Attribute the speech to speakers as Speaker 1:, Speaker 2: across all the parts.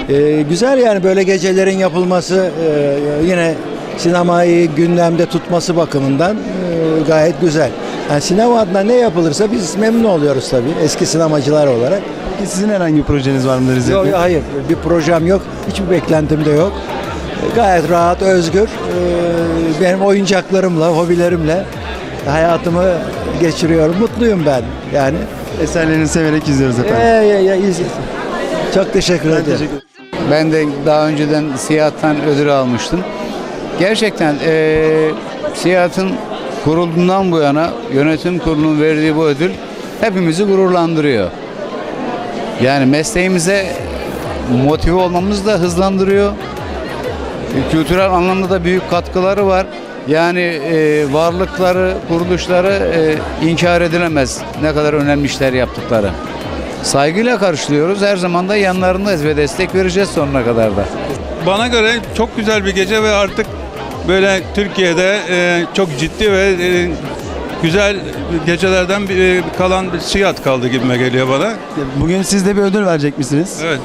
Speaker 1: Güzel yani böyle gecelerin yapılması, yine sinemayı gündemde tutması bakımından gayet güzel. Yani sinema adına ne yapılırsa biz memnun oluyoruz tabii eski sinemacılar olarak.
Speaker 2: Peki sizin herhangi bir projeniz var mıdır İzzet
Speaker 1: Yok,
Speaker 2: Bey?
Speaker 1: hayır, bir projem yok, hiçbir beklentim de yok. Gayet rahat, özgür, benim oyuncaklarımla, hobilerimle hayatımı geçiriyorum. Mutluyum ben yani.
Speaker 2: Eserlerini severek izliyoruz efendim.
Speaker 1: Çok teşekkür ederim.
Speaker 2: Teşekkür ederim.
Speaker 3: Ben de daha önceden Siyahat'tan ödül almıştım. Gerçekten Siyahat'ın kurulduğundan bu yana yönetim kurulunun verdiği bu ödül hepimizi gururlandırıyor. Yani mesleğimize motive olmamızı da hızlandırıyor. Kültürel anlamda da büyük katkıları var. Yani varlıkları, kuruluşları inkar edilemez ne kadar önemli işler yaptıkları. Saygıyla karşılıyoruz. Her zaman da yanlarındayız ve destek vereceğiz sonuna kadar da.
Speaker 4: Bana göre çok güzel bir gece ve artık böyle Türkiye'de çok ciddi ve güzel gecelerden kalan bir Siyahat kaldı gibime geliyor bana.
Speaker 2: Bugün siz de bir ödül verecek misiniz?
Speaker 4: Evet.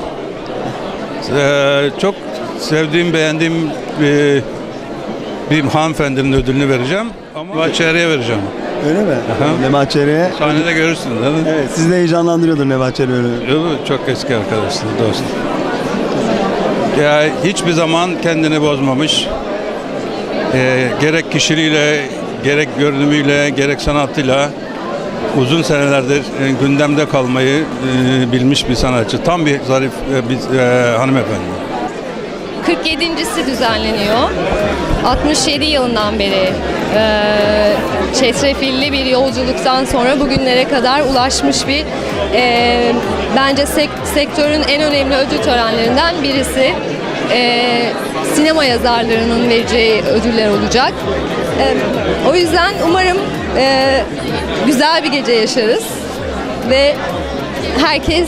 Speaker 4: Çok sevdiğim, beğendiğim bir hanımefendinin ödülünü vereceğim ama Nebahat-Çehre'ye vereceğim.
Speaker 2: Öyle mi? Nebahat Çehre'ye.
Speaker 4: Sahnede görürsünüz değil mi?
Speaker 2: Evet, sizi de heyecanlandırıyordur Nebahat Çehre öyle.
Speaker 4: Çok eski arkadaşlar, dost. Ya hiçbir zaman kendini bozmamış. Gerek kişiliğiyle, gerek görünümüyle, gerek sanatıyla uzun senelerdir gündemde kalmayı bilmiş bir sanatçı. Tam bir zarif bir hanımefendi.
Speaker 5: 47.si düzenleniyor. 67 yılından beri çetrefilli bir yolculuktan sonra bugünlere kadar ulaşmış bir bence sektörün en önemli ödül törenlerinden birisi. Sinema yazarlarının vereceği ödüller olacak. O yüzden umarım güzel bir gece yaşarız ve herkes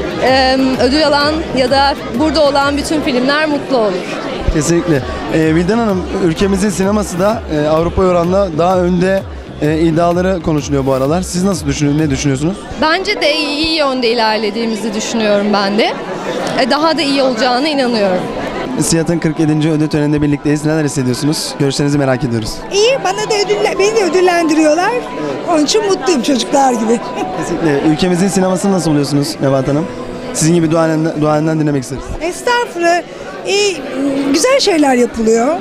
Speaker 5: ödül alan ya da burada olan bütün filmler mutlu olur.
Speaker 2: Kesinlikle. Vildan Hanım, ülkemizin sineması da Avrupa oranla daha önde iddiaları konuşuluyor bu aralar. Siz nasıl ne düşünüyorsunuz?
Speaker 5: Bence de iyi yönde ilerlediğimizi düşünüyorum ben de. Daha da iyi olacağına inanıyorum.
Speaker 2: Siyahat'ın 47. ödül töreninde birlikteyiz. Neler hissediyorsunuz? Görüşlerinizi merak ediyoruz.
Speaker 6: İyi, beni de ödüllendiriyorlar. Onun için mutluyum çocuklar gibi.
Speaker 2: Kesinlikle. Ülkemizin sinemasını nasıl buluyorsunuz Nebahat Hanım? Sizin gibi duayenden dinlemek isteriz.
Speaker 6: Estağfurullah. Güzel şeyler yapılıyor.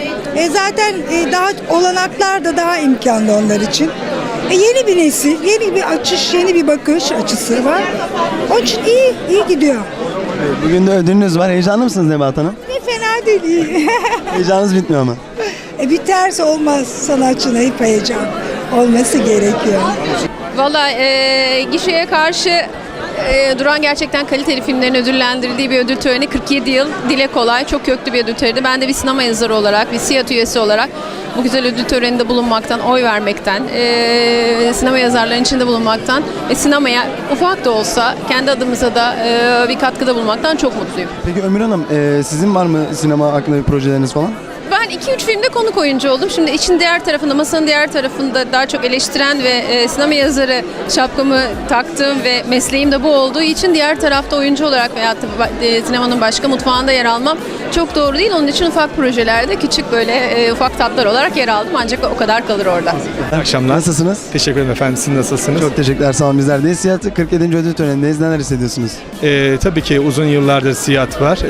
Speaker 6: Zaten daha olanaklar da daha imkanlı onlar için. Yeni bir nesil, yeni bir açış, yeni bir bakış açısı var. Onun için iyi gidiyor.
Speaker 2: Bugün de ödülünüz var. Heyecanlı mısınız Nebahat Hanım?
Speaker 6: Fena değil, iyi.
Speaker 2: Heyecanınız bitmiyor ama.
Speaker 6: Biterse olmaz, sanatçının hep heyecan olması gerekiyor.
Speaker 7: Valla gişeye karşı duran gerçekten kaliteli filmlerin ödüllendirildiği bir ödül töreni. 47 yıl dile kolay, çok köklü bir ödül töreni. Ben de bir sinema yazarı olarak, bir Siyahat üyesi olarak bu güzel ödül töreninde bulunmaktan, oy vermekten, sinema yazarlarının içinde bulunmaktan ve sinemaya ufak da olsa kendi adımıza da bir katkıda bulunmaktan çok mutluyum.
Speaker 2: Peki Ömür Hanım, sizin var mı sinema hakkında bir projeleriniz falan?
Speaker 7: Ben 2-3 filmde konuk oyuncu oldum. Şimdi için diğer tarafında, masanın diğer tarafında daha çok eleştiren ve sinema yazarı şapkamı taktığım ve mesleğim de bu olduğu için diğer tarafta oyuncu olarak veya sinemanın başka mutfağında yer almam çok doğru değil. Onun için ufak projelerde küçük böyle ufak tatlar olarak yer aldım. Ancak o kadar kalır orada.
Speaker 2: İyi akşamlar. Nasılsınız?
Speaker 8: Teşekkür ederim efendim. Siz nasılsınız?
Speaker 2: Çok teşekkürler. Sağ olun, bizler de. Siyahat 47. ödül törenindeyiz. Neler hissediyorsunuz?
Speaker 8: Tabii ki uzun yıllardır Siyahat var.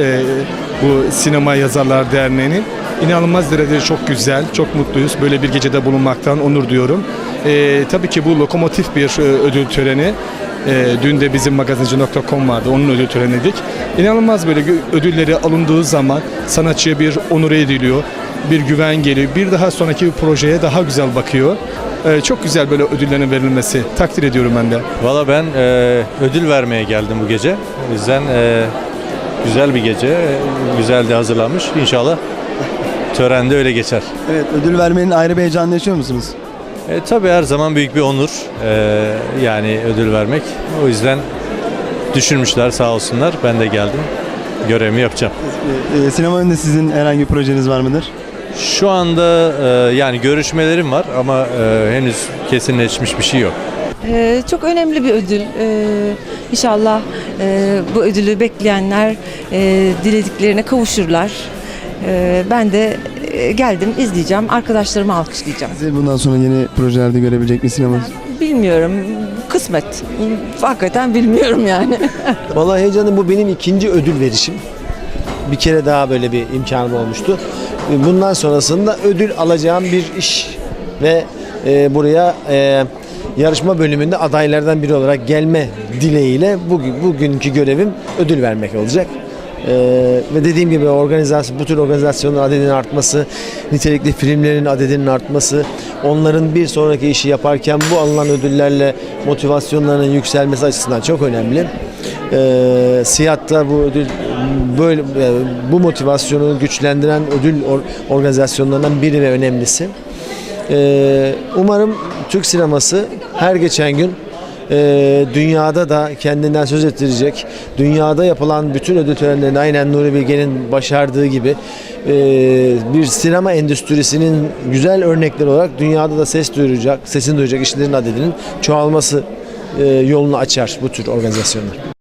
Speaker 8: Bu Sinema Yazarlar Derneği'nin. İnanılmaz derecede çok güzel, çok mutluyuz. Böyle bir gecede bulunmaktan onur duyuyorum. Tabii ki bu lokomotif bir ödül töreni. Dün de bizim magazinci.com vardı, onun ödül töreniydik. İnanılmaz böyle ödülleri alındığı zaman sanatçıya bir onur ediliyor, bir güven geliyor. Bir daha sonraki bir projeye daha güzel bakıyor. Çok güzel böyle ödüllerin verilmesi. Takdir ediyorum ben de.
Speaker 9: Valla ben ödül vermeye geldim bu gece. O yüzden güzel bir gece, güzel de hazırlanmış. İnşallah törende öyle geçer.
Speaker 2: Evet, ödül vermenin ayrı bir heyecanını yaşıyor musunuz?
Speaker 9: Tabii her zaman büyük bir onur yani ödül vermek. O yüzden düşünmüşler sağ olsunlar. Ben de geldim. Görevimi yapacağım.
Speaker 2: Sinema önünde sizin herhangi bir projeniz var mıdır?
Speaker 9: Şu anda yani görüşmelerim var ama henüz kesinleşmiş bir şey yok.
Speaker 10: Çok önemli bir ödül. İnşallah bu ödülü bekleyenler dilediklerine kavuşurlar. Ben de geldim, izleyeceğim, arkadaşlarımı alkışlayacağım.
Speaker 2: Sizi bundan sonra yeni projelerde görebilecek mi sinemamız?
Speaker 10: Bilmiyorum, kısmet. Hakikaten bilmiyorum yani.
Speaker 11: Vallahi heyecanım, bu benim ikinci ödül verişim. Bir kere daha böyle bir imkanım olmuştu. Bundan sonrasında ödül alacağım bir iş ve buraya yarışma bölümünde adaylardan biri olarak gelme dileğiyle bugünkü görevim ödül vermek olacak. Ve dediğim gibi bu tür organizasyonların adedinin artması, nitelikli filmlerin adedinin artması, onların bir sonraki işi yaparken bu alınan ödüllerle motivasyonlarının yükselmesi açısından çok önemli. Siyah'ta bu ödül böyle bu motivasyonu güçlendiren ödül organizasyonlarından biri ve önemlisi. Umarım Türk sineması her geçen gün dünyada da kendinden söz ettirecek, dünyada yapılan bütün ödül törenlerinde aynen Nuri Bilge'nin başardığı gibi bir sinema endüstrisinin güzel örnekleri olarak dünyada da sesini duyuracak işlerin adedinin çoğalması yolunu açar bu tür organizasyonlar.